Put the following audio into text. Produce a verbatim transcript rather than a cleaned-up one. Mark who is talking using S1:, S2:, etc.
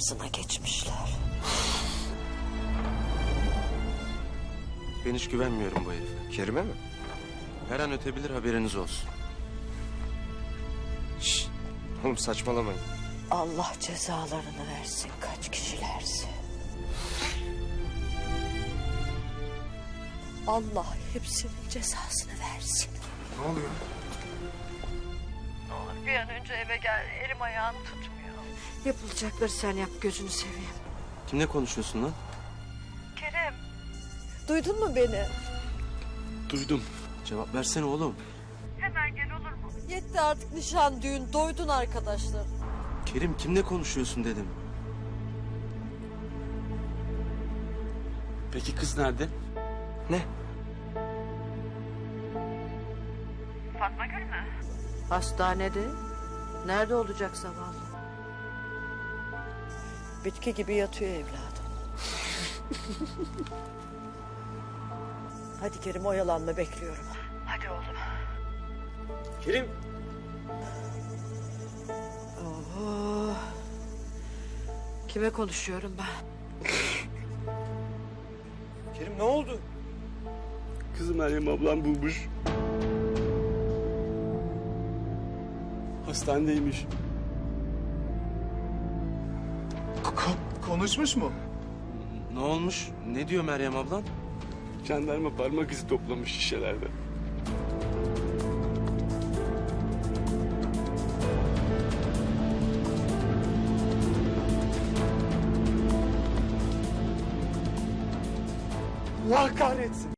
S1: arzına geçmişler.
S2: Ben hiç güvenmiyorum bu herife.
S3: Kerime mi?
S2: Her an ötebilir, haberiniz olsun.
S3: Şşş. Oğlum saçmalamayın.
S1: Allah cezalarını versin kaç kişilerse. Allah hepsinin cezasını versin.
S3: Ne oluyor?
S1: Ne olur bir an önce eve gel. Elim ayağım tutmuyor. Yapılacakları sen yap gözünü seveyim.
S2: Kimle konuşuyorsun lan?
S1: Kerem. Duydun mu beni?
S2: Duydum. Cevap versene oğlum.
S1: Hemen gel olur mu? Yetti artık nişan düğün. Doydun arkadaşlar.
S2: Kerim, kimle konuşuyorsun dedim.
S4: Peki kız nerede?
S2: Ne?
S1: Fatma Gül mü? Hastanede. Nerede olacak zavallı? Bitki gibi yatıyor evladım. Hadi Kerim oyalanma bekliyorum. Hadi oğlum.
S4: Kerim.
S1: Oo. Kime konuşuyorum ben?
S3: Kerim ne oldu?
S4: Kızı Meryem ablam bulmuş. Hastanedeymiş.
S3: Ko- konuşmuş mu?
S2: Ne olmuş? Ne diyor Meryem ablan?
S4: Jandarma parmak izi toplamış şişelerde.
S3: Allah kahretsin.